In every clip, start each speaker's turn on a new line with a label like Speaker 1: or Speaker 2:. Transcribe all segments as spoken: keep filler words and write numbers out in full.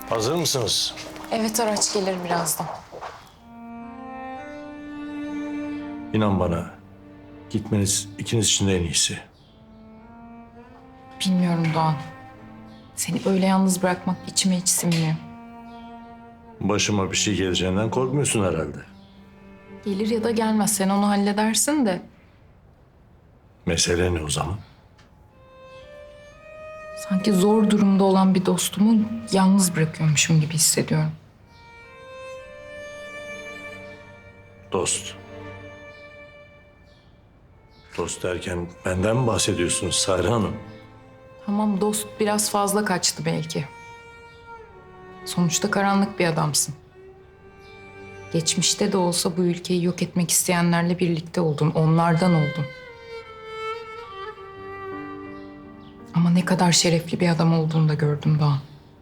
Speaker 1: Hazır mısınız?
Speaker 2: Evet, araç gelir birazdan.
Speaker 1: İnan bana, gitmeniz ikiniz için de en iyisi.
Speaker 2: Bilmiyorum Doğan. Seni öyle yalnız bırakmak içime hiç sinmiyor.
Speaker 1: Başıma bir şey geleceğinden korkmuyorsun herhalde.
Speaker 2: Gelir ya da gelmez, sen onu halledersin de.
Speaker 1: Mesele ne o zaman?
Speaker 2: Sanki zor durumda olan bir dostumu yalnız bırakıyormuşum gibi hissediyorum.
Speaker 1: Dost. Dost derken benden mi bahsediyorsunuz Sare Hanım?
Speaker 2: Tamam, dost biraz fazla kaçtı belki. Sonuçta karanlık bir adamsın. Geçmişte de olsa bu ülkeyi yok etmek isteyenlerle birlikte oldun, onlardan oldun. Ama ne kadar şerefli bir adam olduğunu da gördüm Doğan.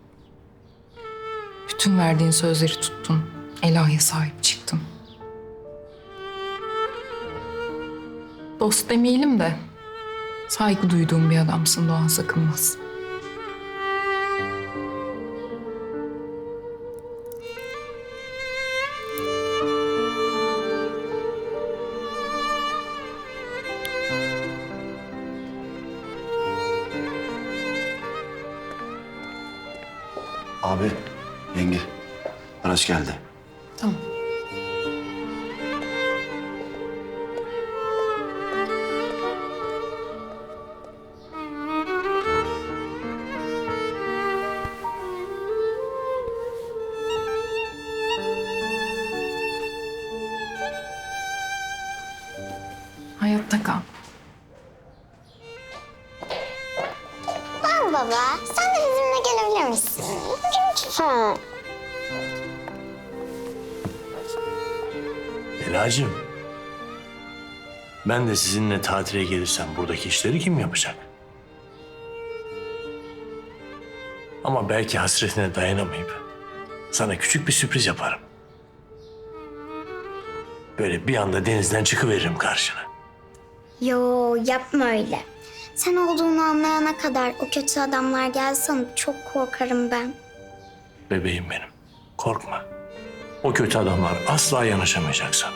Speaker 2: Bütün verdiğin sözleri tuttun, Ela'ya sahip çıktın. Dost demeyelim de saygı duyduğum bir adamsın Doğan Sakınmaz.
Speaker 3: Abi, yenge. Araç geldi.
Speaker 2: Tamam. Hayatta kal.
Speaker 4: Var baba, sen de bizimle gelebilir misin? Lütfen.
Speaker 1: Elacığım, ben de sizinle tatile gelirsem buradaki işleri kim yapacak? Ama belki hasretine dayanamayıp sana küçük bir sürpriz yaparım. Böyle bir anda denizden çıkıveririm karşına.
Speaker 4: Yo, yapma öyle. Sen olduğunu anlayana kadar o kötü adamlar gelse çok korkarım ben.
Speaker 1: Bebeğim benim, korkma. O kötü adamlar asla yanaşamayacak sana.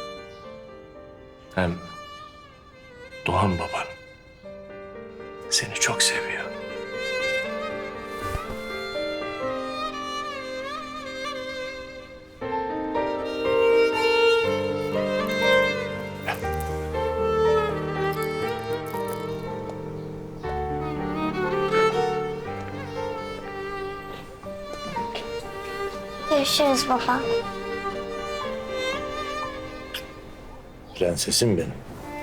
Speaker 1: Hem Doğan baban seni çok seviyor.
Speaker 4: Görüşürüz baba.
Speaker 1: Prensesim benim.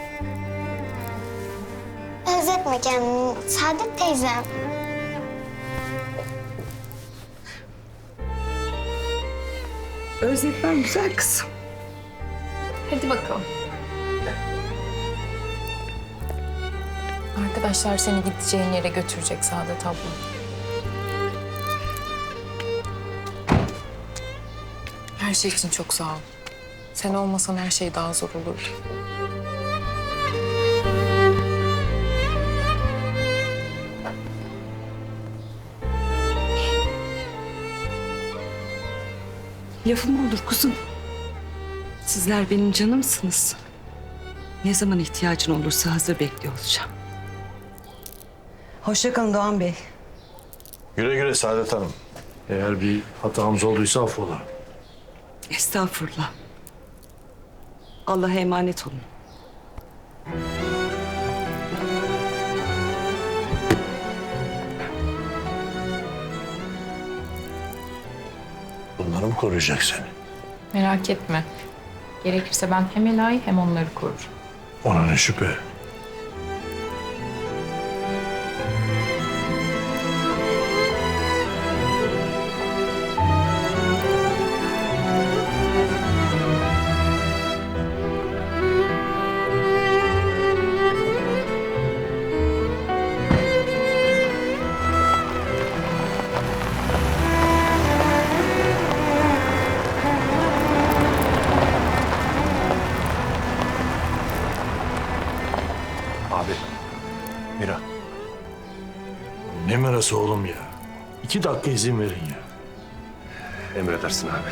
Speaker 4: Özletme kendini Saadet teyzem.
Speaker 5: Özetmem güzel kızım.
Speaker 2: Hadi bakalım. Arkadaşlar seni gideceğin yere götürecek Saadet abla. Her şey için çok sağ ol. Sen olmasan her şey daha zor olurdu.
Speaker 5: Lafım olur kuzum. Sizler benim canımsınız. Ne zaman ihtiyacın olursa hazır bekliyor olacağım.
Speaker 6: Hoşça kalın Doğan Bey.
Speaker 1: Güle güle Saadet Hanım. Eğer bir hatamız olduysa affola.
Speaker 5: Estağfurullah. Allah'a emanet olun.
Speaker 1: Bunları mı koruyacak seni?
Speaker 2: Merak etme. Gerekirse ben hem Ela'yı hem onları korurum.
Speaker 1: Ona ne şüphe. Abi, Mira. Ne mirası oğlum ya? İki dakika izin verin ya.
Speaker 3: Emredersin abi.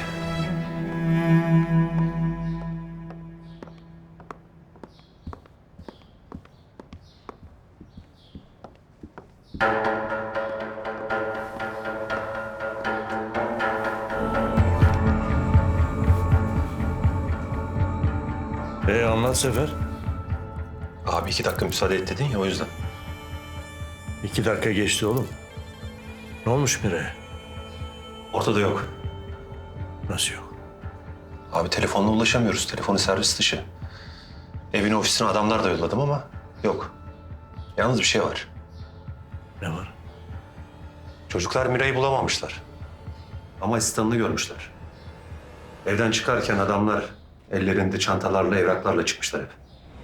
Speaker 1: Ee anlat Sefer.
Speaker 3: Abi iki dakika müsaade et dedin ya o yüzden.
Speaker 1: İki dakika geçti oğlum. Ne olmuş Mire'ye?
Speaker 3: Ortada yok.
Speaker 1: Nasıl yok?
Speaker 3: Abi telefonla ulaşamıyoruz. Telefonu servis dışı. Evine ofisine adamlar da yolladım ama yok. Yalnız bir şey var.
Speaker 1: Ne var?
Speaker 3: Çocuklar Mira'yı bulamamışlar. Ama asistanını görmüşler. Evden çıkarken adamlar ellerinde çantalarla, evraklarla çıkmışlar hep.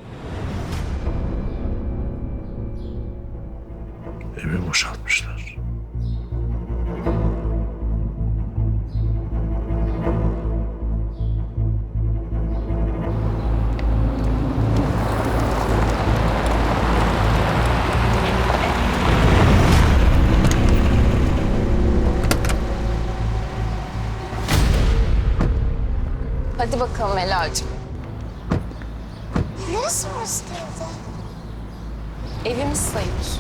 Speaker 1: Evi boşaltmışlar.
Speaker 2: Hadi bakalım Ela'cığım.
Speaker 4: Neresi burası teyze?
Speaker 2: Evimiz sayılır.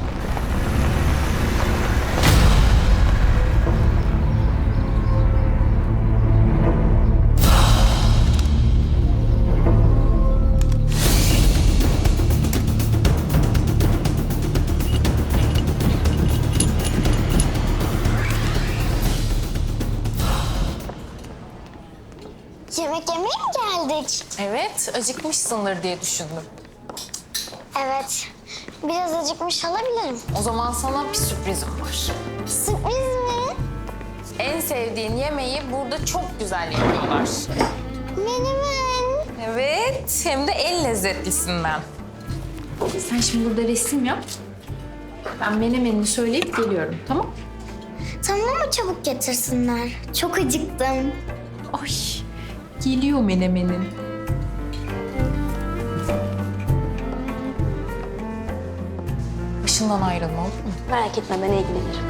Speaker 4: Yemek yemeye mi geldik?
Speaker 2: Evet, acıkmışsındır diye düşündüm.
Speaker 4: Evet. Biraz acıkmış olabilirim.
Speaker 2: O zaman sana bir sürprizim var.
Speaker 4: Sürpriz mi?
Speaker 2: En sevdiğin yemeği burada çok güzel yapıyorlar.
Speaker 4: Menemen.
Speaker 2: Evet, hem de en lezzetlisinden. Sen şimdi burada resim yap. Ben menemenini söyleyip geliyorum, tamam?
Speaker 4: Tamam ama çabuk getirsinler. Çok acıktım.
Speaker 2: Ay, geliyor menemenin. Başından ayrılma olur mu?
Speaker 4: Merak etme ben ilgilenirim.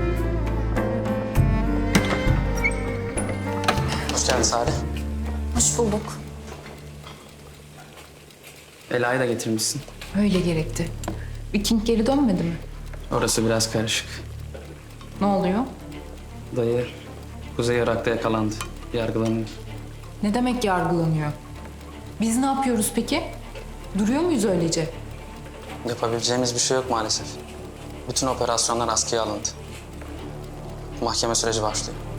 Speaker 6: Hoş geldin Sare.
Speaker 2: Hoş bulduk.
Speaker 6: Ela'yı da getirmişsin.
Speaker 2: Öyle gerekti. Viking geri dönmedi mi?
Speaker 6: Orası biraz karışık.
Speaker 2: Ne oluyor?
Speaker 6: Dayı Kuzey Irak'ta yakalandı. Yargılanıyor.
Speaker 2: Ne demek yargılanıyor? Biz ne yapıyoruz peki? Duruyor muyuz öylece?
Speaker 6: Yapabileceğimiz bir şey yok maalesef. Bütün operasyonlar askıya alındı. Mahkeme süreci başlıyor.